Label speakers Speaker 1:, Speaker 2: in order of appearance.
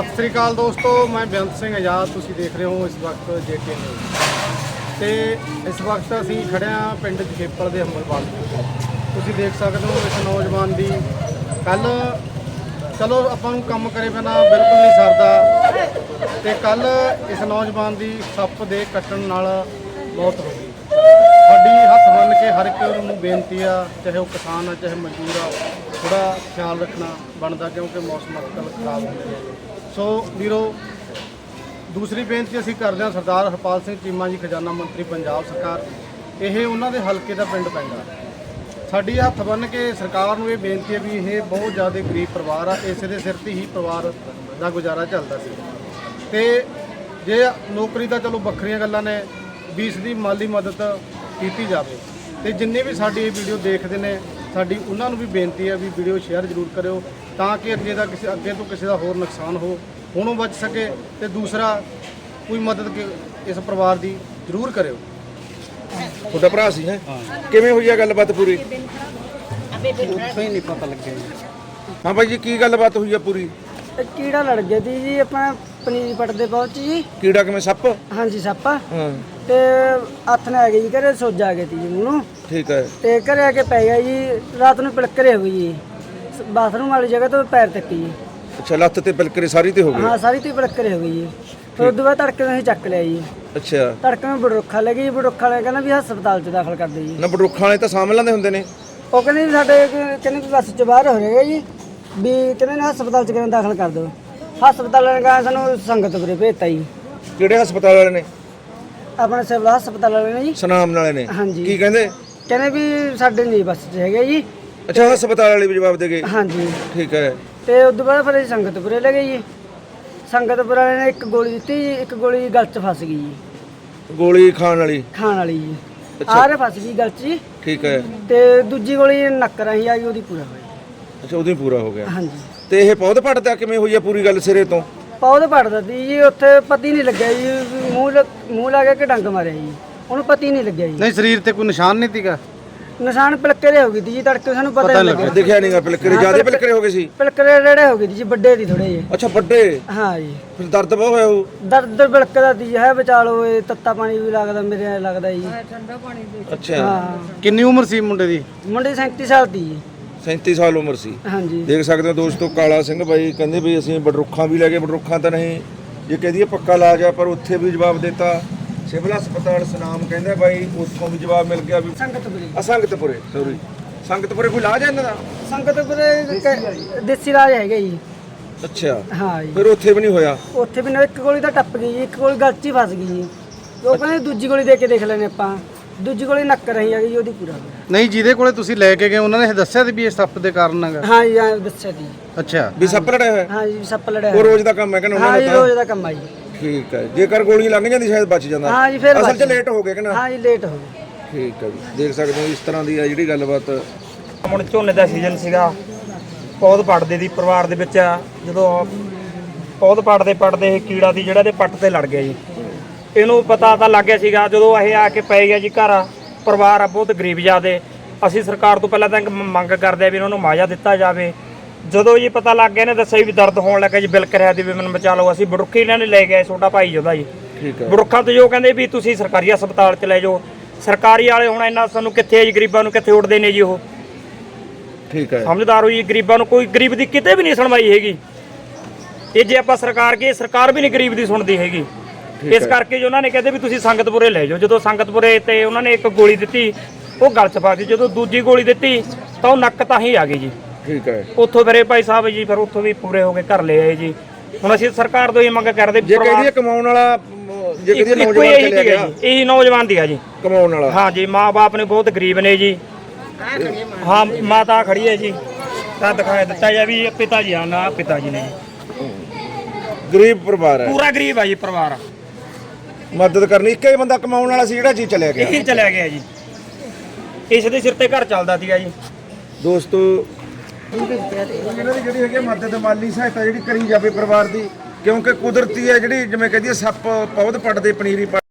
Speaker 1: ਸਤਿ ਸ੍ਰੀ ਅਕਾਲ ਦੋਸਤੋ, ਮੈਂ ਬੇਅੰਤ ਸਿੰਘ ਆਜ਼ਾਦ। ਤੁਸੀਂ ਦੇਖ ਰਹੇ ਹੋ ਇਸ ਵਕਤ JK ਨਿਊਜ਼ ਤੇ ਇਸ ਵਕਤ ਅਸੀਂ ਖੜੇ ਹਾਂ ਪਿੰਡ ਜਖੇਪਲ ਦੇ ਹੰਬਲਵਾਲ। ਤੁਸੀਂ ਦੇਖ ਸਕਦੇ ਹੋ ਇਸ ਨੌਜਵਾਨ ਦੀ ਕੱਲ ਚਲੋ ਆਪਾਂ ਨੂੰ ਕੰਮ ਕਰੇ ਬਿਨਾਂ ਬਿਲਕੁਲ ਨਹੀਂ ਸਰਦਾ ਤੇ ਕੱਲ ਇਸ ਨੌਜਵਾਨ ਦੀ ਸੱਪ ਦੇ ਕੱਟਣ ਨਾਲ ਮੌਤ ਹੋ ਗਈ। ਸਾਡੀ ਹੱਥ ਬੰਨ੍ਹ ਕੇ ਹਰ ਇੱਕ ਨੂੰ ਬੇਨਤੀ ਆ, ਚਾਹੇ ਉਹ ਕਿਸਾਨ ਆ ਚਾਹੇ ਮਜ਼ਦੂਰ ਆ, ਥੋੜਾ ਖਿਆਲ ਰੱਖਣਾ ਬਣਦਾ ਕਿਉਂਕਿ ਮੌਸਮ ਅੱਜਕੱਲ੍ਹ ਖਰਾਬ ਹੁੰਦੇ ਨੇ। ਸੋ ਵੀਰੋ, ਦੂਸਰੀ ਬੇਨਤੀ ਅਸੀਂ ਕਰਦੇ ਹਾਂ ਸਰਦਾਰ ਹਰਪਾਲ ਸਿੰਘ ਚੀਮਾ ਜੀ, ਖਜ਼ਾਨਾ ਮੰਤਰੀ ਪੰਜਾਬ ਸਰਕਾਰ। ਇਹ ਉਹਨਾਂ ਦੇ ਹਲਕੇ ਦਾ ਪਿੰਡ ਪੈਂਦਾ। ਸਾਡੀ ਹੱਥ ਬੰਨ੍ਹ ਕੇ ਸਰਕਾਰ ਨੂੰ ਇਹ ਬੇਨਤੀ ਹੈ ਵੀ ਇਹ ਬਹੁਤ ਜ਼ਿਆਦਾ ਗਰੀਬ ਪਰਿਵਾਰ ਆ, ਇਸੇ ਦੇ ਸਿਰ ਤੇ ਹੀ ਪਰਿਵਾਰ ਦਾ ਗੁਜ਼ਾਰਾ ਚੱਲਦਾ ਸੀ। ਤੇ ਜੇ ਨੌਕਰੀ ਤਾਂ ਚਲੋ ਵੱਖਰੀਆਂ ਗੱਲਾਂ ਨੇ, ਵੀ ਇਸ ਦੀ ਮਾਲੀ ਮਦਦ ਕੀਤੀ ਜਾਵੇ। ਤੇ ਜਿੰਨੇ ਵੀ ਸਾਡੀ ਇਹ ਵੀਡੀਓ ਦੇਖਦੇ ਨੇ, ਸਾਡੀ ਉਹਨਾਂ ਨੂੰ ਵੀ ਬੇਨਤੀ ਹੈ ਵੀ ਵੀਡੀਓ ਸ਼ੇਅਰ ਜ਼ਰੂਰ ਕਰਿਓ ਤਾਂ ਕਿ ਅੱਗੇ ਤੋਂ ਕਿਸੇ ਦਾ ਹੋਰ ਨੁਕਸਾਨ ਹੋਣੋਂ ਬਚ ਸਕੇ। ਤੇ ਦੂਸਰਾ, ਕੋਈ ਮਦਦ ਇਸ ਪਰਿਵਾਰ ਦੀ ਜ਼ਰੂਰ ਕਰਿਓ।
Speaker 2: ਤੁਹਾਡਾ ਭਰਾ ਸੀ ਹੈ? ਕਿਵੇਂ ਹੋਈ ਆ ਗੱਲਬਾਤ ਪੂਰੀ?
Speaker 1: ਉੱਥੇ ਹੀ ਨਹੀਂ ਪਤਾ ਲੱਗਿਆ ਜੀ।
Speaker 2: ਹਾਂ ਭਾਈ ਜੀ, ਕੀ ਗੱਲਬਾਤ ਹੋਈ ਆ ਪੂਰੀ?
Speaker 3: ਕੀੜਾ ਲੜ ਗਿਆ ਸੀ ਜੀ, ਆਪਣਾ ਪਨੀਰੀ ਪੱਟਦੇ ਪਹੁੰਚ ਜੀ।
Speaker 2: ਕੀੜਾ ਕਿਵੇਂ? ਸੱਪ?
Speaker 3: ਹਾਂਜੀ, ਸੱਪ।
Speaker 2: ਹਾਂ,
Speaker 3: ਤੇ ਹੱਥ ਨੇ ਆ ਗਈ ਜੀ, ਘਰੇ ਸੋਜਾ ਆ ਗਈ ਸੀ ਜੀ ਮੂੰਹ ਨੂੰ।
Speaker 2: ਠੀਕ ਹੈ।
Speaker 3: ਤੇ ਘਰੇ ਆ ਕੇ ਪੈ ਗਿਆ ਜੀ, ਰਾਤ ਨੂੰ ਪਿਲਕਰੇ ਹੋ ਗਈ ਜੀ, ਬਾਥਰੂਮ ਵਾਲੀ ਜਗ੍ਹਾ ਤੋਂ ਪੈਰ ਤੱਕ ਜੀ।
Speaker 2: ਅੱਛਾ, ਲੱਤ ਤੇ ਪਿਲਕਰੇ ਸਾਰੀ ਤੇ ਹੋ ਗਏ?
Speaker 3: ਹਾਂ, ਸਾਰੀ ਤੇ ਪਿਲਕਰੇ ਹੋ ਗਈ ਜੀ। ਫਿਰ ਉਦੋਂ ਬਾਅਦ ਤੜਕੇ ਨੂੰ ਅਸੀਂ ਚੱਕ ਲਿਆ ਜੀ।
Speaker 2: ਅੱਛਾ,
Speaker 3: ਤੜਕੇ ਨੂੰ ਬੜਰੁੱਖਾ ਲੈ ਗਈ, ਬੜਰੁੱਖਾ ਵਾਲੇ ਕਹਿੰਦਾ ਵੀ ਹਸਪਤਾਲ 'ਚ ਦਾਖਲ ਕਰ ਦੇ ਜੀ।
Speaker 2: ਨਾ ਬੜਰੁੱਖਾਂ ਵਾਲੇ ਤਾਂ ਸਾਂਭ ਲੈਂਦੇ ਹੁੰਦੇ ਨੇ।
Speaker 3: ਉਹ ਕਹਿੰਦੇ ਵੀ ਸਾਡੇ ਕਹਿੰਦੇ ਵੀ ਬੱਸ 'ਚ ਬਾਹਰ ਹੋ ਰਿਹਾ ਜੀ, ਵੀ ਕਹਿੰਦੇ ਨੇ ਹਸਪਤਾਲ 'ਚ ਕਿਵੇਂ ਦਾਖਲ ਕਰ ਦਿਓ। ਹਸਪਤਾਲ ਵਾਲੇ ਨੇ ਕਹਾ ਸਾਨੂੰ ਸੰਗਤਪੁਰੇ ਭੇਜਤਾ ਜੀ।
Speaker 2: ਕਿਹੜੇ ਹਸਪਤਾਲ ਵਾਲੇ ਨੇ?
Speaker 3: ਆਪਣੇ ਸਿਵਲ ਹਸਪਤਾਲ ਵਾਲੇ ਨੇ ਜੀ।
Speaker 2: ਸਨਾਮ ਵਾਲੇ ਨੇ?
Speaker 3: ਹਾਂਜੀ।
Speaker 2: ਕੀ ਕਹਿੰਦੇ?
Speaker 3: ਕਹਿੰਦੇ ਵੀ ਸਾਡੇ ਨਹੀਂ ਬੱਸ 'ਚ ਹੈਗੇ ਜੀ।
Speaker 2: ਅੱਛਾ, ਹਸਪਤਾਲ ਵਾਲੇ ਵੀ ਜਵਾਬ ਦੇ ਗਏ?
Speaker 3: ਹਾਂਜੀ।
Speaker 2: ਠੀਕ ਹੈ।
Speaker 3: ਤੇ ਉਦੋਂ ਬਾਅਦ ਫਿਰ ਅਸੀਂ ਸੰਗਤਪੁਰੇ ਲੈ ਗਏ ਜੀ। ਸੰਗਤਪੁਰ ਵਾਲੇ ਨੇ ਇੱਕ ਗੋਲੀ ਦਿੱਤੀ ਜੀ, ਇੱਕ ਗੋਲੀ ਗਲ 'ਚ ਫਸ ਗਈ ਜੀ।
Speaker 2: ਗੋਲੀ ਖਾਣ ਵਾਲੀ?
Speaker 3: ਖਾਣ ਵਾਲੀ ਜੀ।
Speaker 2: ਅੱਛਾ।
Speaker 3: ਆਰੇ ਫਸ ਗਈ ਗਲ 'ਚ ਜੀ।
Speaker 2: ਠੀਕ ਹੈ।
Speaker 3: ਤੇ ਦੂਜੀ ਗੋਲੀ ਨੱਕ ਰਾਹੀਂ ਆ ਗਈ, ਉਹਦੀ ਪੂਰਾ ਹੋਇਆ।
Speaker 2: ਅੱਛਾ, ਉਦੋਂ ਹੀ ਪੂਰਾ ਹੋ ਗਿਆ।
Speaker 3: ਹਾਂਜੀ।
Speaker 2: ਤੇ ਇਹ ਪੌਦ ਪੜਦਾ ਕਿਵੇਂ ਹੋਈ ਆ ਪੂਰੀ ਗੱਲ ਸਿਰੇ ਤੋਂ?
Speaker 3: ਪੌਦ ਪੜਦਾ ਸੀ ਜੀ, ਉੱਥੇ ਪਤੀ ਨਹੀਂ ਲੱਗਿਆ ਜੀ, ਮੂੰਹ ਲਾ ਕੇ ਡੰਗ ਮਾਰਿਆ ਜੀ, ਉਹਨੂੰ ਪਤੀ ਨਹੀਂ ਲੱਗਿਆ ਜੀ।
Speaker 1: ਨਹੀਂ, ਸਰੀਰ ਤੇ ਕੋਈ ਨਿਸ਼ਾਨ ਨਹੀਂ ਸੀਗਾ?
Speaker 3: ਨਿਸ਼ਾਨ ਪਿਲਕਰੇ ਹੋ ਗਈ ਸੀ ਜੀ, ਤੜਕੇ ਸਾਨੂੰ ਪਤਾ ਨਹੀਂ ਲੱਗਿਆ।
Speaker 2: ਦਿਖਿਆ ਨਹੀਂਗਾ ਪਿਲਕਰੇ? ਜਿਆਦਾ ਪਿਲਕਰੇ ਹੋ ਗਏ ਸੀ?
Speaker 3: ਪਿਲਕਰੇ ਰੇੜੇ ਹੋ ਗਏ ਸੀ ਜੀ, ਵੱਡੇ ਸੀ ਥੋੜੇ ਜਿਹੇ।
Speaker 2: ਅੱਛਾ, ਵੱਡੇ?
Speaker 3: ਹਾਂ ਜੀ।
Speaker 2: ਫਿਰ ਦਰਦ ਬਹੁਤ ਹੋਇਆ ਉਹ?
Speaker 3: ਦਰਦ ਬਿਲਕਦਾ ਸੀ ਹੈ, ਬਚਾਲੋ ਇਹ ਤੱਤਾ ਪਾਣੀ ਵੀ ਲੱਗਦਾ, ਮੇਰੇ ਲੱਗਦਾ ਜੀ।
Speaker 2: ਅੱਛਾ।
Speaker 3: ਹਾਂ।
Speaker 1: ਕਿੰਨੀ ਉਮਰ ਸੀ ਮੁੰਡੇ ਦੀ?
Speaker 3: ਮੁੰਡੇ 37 ਸਾਲ ਦੀ ਜੀ।
Speaker 2: 37 ਸਾਲ ਉਮਰ ਸੀ।
Speaker 3: ਹਾਂਜੀ।
Speaker 2: ਦੇਖ ਸਕਦੇ ਹੋ ਦੋਸਤੋ, ਕਾਲਾ ਸਿੰਘ ਬਾਈ ਕਹਿੰਦੇ ਵੀ ਅਸੀਂ ਬਡਰੁੱਖਾਂ ਵੀ ਲੈ ਗਏ, ਬਡਰੁੱਖਾਂ ਤਾਂ ਨਹੀਂ, ਜੇ ਕਹਦੀਏ ਪੱਕਾ ਇਲਾਜ ਆ, ਪਰ ਉੱਥੇ ਵੀ ਜਵਾਬ ਦਿੱਤਾ। ਸਿਵਲ ਹਸਪਤਾਲ ਸਨਾਮ ਕਹਿੰਦੇ ਬਾਈ, ਉੱਥੋਂ ਵੀ ਜਵਾਬ ਮਿਲ ਗਿਆ ਵੀ
Speaker 3: ਸੰਗਤਪੁਰੇ।
Speaker 2: ਸੰਗਤਪੁਰੇ, ਸੌਰੀ, ਸੰਗਤਪੁਰੇ ਕੋਈ ਇਲਾਜ ਹੈ ਇਹਨਾਂ ਦਾ?
Speaker 3: ਸੰਗਤਪੁਰੇ ਦੇਸੀ ਇਲਾਜ ਹੈਗਾ ਜੀ।
Speaker 2: ਅੱਛਾ।
Speaker 3: ਹਾਂ ਜੀ।
Speaker 2: ਫਿਰ ਉੱਥੇ ਵੀ ਨਹੀਂ ਹੋਇਆ?
Speaker 3: ਉੱਥੇ ਵੀ ਨਾ, ਇੱਕ ਗੋਲੀ ਤਾਂ ਟੱਪ ਗਈ ਜੀ, ਇੱਕ ਗੋਲੀ ਗਲ 'ਚ ਹੀ ਫਸ ਗਈ ਜੀ। ਉਹ ਕਹਿੰਦੇ ਦੂਜੀ ਗੋਲੀ ਦੇ ਕੇ ਦੇਖ ਲੈਣੇ ਆਪਾਂ, ਦੂਜੀ ਗੋਲੀ ਨੱਕ ਰਹੀ ਆ ਗਈ, ਉਹਦੀ ਪੂਰਾ ਹੋਇਆ।
Speaker 1: ਨਹੀਂ, ਜਿਹਦੇ ਕੋਲੇ ਤੁਸੀਂ ਲੈ ਕੇ ਗਏ ਉਹਨਾਂ ਨੇ ਇਹ ਦੱਸਿਆ ਸੀ ਵੀ ਇਹ ਸੱਪ ਦੇ ਕਾਰਨ ਹੈਗਾ?
Speaker 3: ਹਾਂ ਜੀ, ਹਾਂ ਦੱਸਿਆ ਜੀ।
Speaker 1: ਅੱਛਾ,
Speaker 2: ਵੀ ਸੱਪ ਲੜਿਆ ਹੋਇਆ?
Speaker 3: ਹਾਂ ਜੀ, ਸੱਪ ਲੜਿਆ
Speaker 2: ਉਹ ਰੋਜ਼ ਦਾ ਕੰਮ ਹੈ ਕਹਿੰਦਾ
Speaker 3: ਹਾਂ
Speaker 2: ਉਹਨਾਂ
Speaker 3: ਜੀ,
Speaker 2: ਦਾ?
Speaker 3: ਰੋਜ਼ ਦਾ ਕੰਮ ਆ ਜੀ।
Speaker 2: ਠੀਕ ਹੈ। ਜੇਕਰ ਗੋਲੀ ਲੰਘ ਜਾਂਦੀ ਸ਼ਾਇਦ ਬਚ ਜਾਂਦਾ।
Speaker 3: ਹਾਂ ਜੀ, ਫਿਰ
Speaker 2: ਅਸਲ 'ਚ ਲੇਟ ਹੋ ਗਏ ਕਿ ਨਾ?
Speaker 3: ਹਾਂ ਜੀ, ਲੇਟ ਹੋ ਗਏ।
Speaker 2: ਠੀਕ ਹੈ ਜੀ, ਦੇਖ ਸਕਦੇ ਹੋ ਇਸ ਤਰ੍ਹਾਂ ਦੀ ਆ ਜਿਹੜੀ ਗੱਲਬਾਤ।
Speaker 4: ਹੁਣ ਝੋਨੇ ਦਾ ਸੀਜ਼ਨ ਸੀਗਾ, ਪੌਦ ਪੜਦੇ ਦੀ ਪਰਿਵਾਰ ਦੇ ਵਿੱਚ ਜਦੋਂ ਪੌਦ ਪੜਦੇ ਇਹ ਕੀੜਾ ਦੀ ਜਿਹੜਾ ਦੇ ਪੱਟ ਤੇ ਲੜ ਗਿਆ ਜੀ। ਇਹਨੂੰ ਪਤਾ ਤਾਂ ਲੱਗ ਗਿਆ ਸੀਗਾ ਜਦੋਂ ਇਹ ਆ ਕੇ ਪੈ ਗਿਆ ਜੀ ਘਰ। ਪਰਿਵਾਰ ਆ ਬਹੁਤ ਗਰੀਬ ਜਾਦੇ। ਅਸੀਂ ਸਰਕਾਰ ਤੋਂ ਪਹਿਲਾਂ ਤਾਂ ਇੱਕ ਮੰਗ ਕਰਦੇ ਆ ਵੀ ਇਹਨਾਂ ਨੂੰ ਮੁਆਵਜ਼ਾ ਦਿੱਤਾ ਜਾਵੇ। ਜਦੋਂ ਜੀ ਪਤਾ ਲੱਗ ਗਿਆ, ਇਹਨੇ ਦੱਸਿਆ ਵੀ ਦਰਦ ਹੋਣ ਲੱਗਾ ਜੀ, ਬਿਲਕ ਰਿਹਾ ਦੀ ਵੀ ਮੈਨੂੰ ਬਚਾ ਲਓ। ਅਸੀਂ ਬੜੁੱਖੀ ਇਹਨਾਂ ਨੇ ਲੈ ਗਏ, ਛੋਟਾ ਭਾਈ ਉਹਦਾ ਜੀ।
Speaker 2: ਠੀਕ ਹੈ।
Speaker 4: ਬੜੁੱਖਾਂ ਤੋਂ ਜੋ ਕਹਿੰਦੇ ਵੀ ਤੁਸੀਂ ਸਰਕਾਰੀ ਹਸਪਤਾਲ 'ਚ ਲੈ ਜਾਓ। ਸਰਕਾਰੀ ਵਾਲੇ ਹੁਣ ਇੰਨਾ ਸਾਨੂੰ ਕਿੱਥੇ ਹੈ ਜੀ, ਗਰੀਬਾਂ ਨੂੰ ਕਿੱਥੇ ਉੱਡਦੇ ਨੇ ਜੀ ਉਹ।
Speaker 2: ਠੀਕ ਹੈ।
Speaker 4: ਸਮਝਦਾਰ ਹੋ ਜੀ, ਗਰੀਬਾਂ ਨੂੰ ਕੋਈ ਗਰੀਬ ਦੀ ਕਿਤੇ ਵੀ ਨਹੀਂ ਸੁਣਵਾਈ ਹੈਗੀ। ਇਹ ਜੇ ਆਪਾਂ ਸਰਕਾਰ ਕਹੀਏ, ਸਰਕਾਰ ਵੀ ਨਹੀਂ ਗਰੀਬ ਦੀ ਸੁਣਦੀ ਹੈਗੀ। ਇਸ ਕਰਕੇ ਜੋ ਉਹਨਾਂ ਨੇ ਕਹਿੰਦੇ ਵੀ ਤੁਸੀਂ ਸੰਗਤਪੁਰੇ ਲੈ ਜਾਓ। ਜਦੋਂ ਸੰਗਤਪੁਰੇ ਤੇ ਉਹਨਾਂ ਨੇ ਇੱਕ ਗੋਲੀ ਦਿੱਤੀ, ਉਹ ਗਲ 'ਚ ਫਸ ਗਈ। ਜਦੋਂ ਦੂਜੀ ਗੋਲੀ ਦਿੱਤੀ ਤਾਂ ਉਹ ਨੱਕ ਤਾਂ ਹੀ ਆ ਗਈ ਜੀ।
Speaker 2: ਠੀਕ ਹੈ।
Speaker 4: ਉੱਥੋਂ ਫਿਰ ਇਹ ਭਾਈ ਸਾਹਿਬ ਜੀ ਫਿਰ ਉੱਥੋਂ ਵੀ ਪੂਰੇ ਹੋ ਕੇ ਘਰ ਲੈ ਆਏ ਜੀ। ਹੁਣ ਅਸੀਂ ਸਰਕਾਰ ਤੋਂ ਇਹ ਮੰਗ ਕਰਦੇ
Speaker 2: ਜੇ ਕਹਦੀਏ ਕਮਾਉਣ ਵਾਲਾ, ਜੇ ਕਹਦੀਏ ਨੌਜਵਾਨ ਚਲਿਆ ਗਿਆ,
Speaker 4: ਇਹੀ ਨੌਜਵਾਨ ਦੀ ਆ ਜੀ
Speaker 2: ਕਮਾਉਣ ਵਾਲਾ।
Speaker 4: ਹਾਂ ਜੀ, ਮਾਂ-ਬਾਪ ਨੇ ਬਹੁਤ ਗਰੀਬ ਨੇ ਜੀ। ਹਾਂ, ਮਾਤਾ ਖੜੀ ਹੈ ਜੀ, ਤਾਂ ਦਿਖਾਇਆ ਦਿੱਤਾ ਜਾ ਵੀ ਪਿਤਾ ਜੀ ਆ ਨਾ, ਪਿਤਾ ਜੀ ਨੇ
Speaker 2: ਗਰੀਬ ਪਰਿਵਾਰ ਹੈ,
Speaker 4: ਪੂਰਾ ਗਰੀਬ ਆ ਜੀ ਪਰਿਵਾਰ।
Speaker 2: ਮਦਦ ਕਰਨੀ। ਇੱਕ ਹੀ ਬੰਦਾ ਕਮਾਉਣ ਵਾਲਾ ਸੀ ਜਿਹੜਾ ਜੀ ਚਲਿਆ ਗਿਆ।
Speaker 4: ਇਹੀ ਚਲਿਆ ਗਿਆ ਜੀ, ਇਸ ਦੇ ਸਿਰ ਤੇ ਘਰ ਚੱਲਦਾ ਸੀਗਾ ਜੀ।
Speaker 2: ਦੋਸਤੋ, ਇਹਨਾਂ ਦੀ ਜਿਹੜੀ ਹੈਗੀ ਮਦਦ, ਮਾਲੀ ਸਹਾਇਤਾ ਜਿਹੜੀ ਕਰੀ ਜਾਵੇ ਪਰਿਵਾਰ ਦੀ, ਕਿਉਂਕਿ ਕੁਦਰਤੀ ਹੈ ਜਿਹੜੀ, ਜਿਵੇਂ ਕਹਦੀਏ ਸੱਪ ਪੌਦ ਪੱਟਦੇ, ਪਨੀਰੀ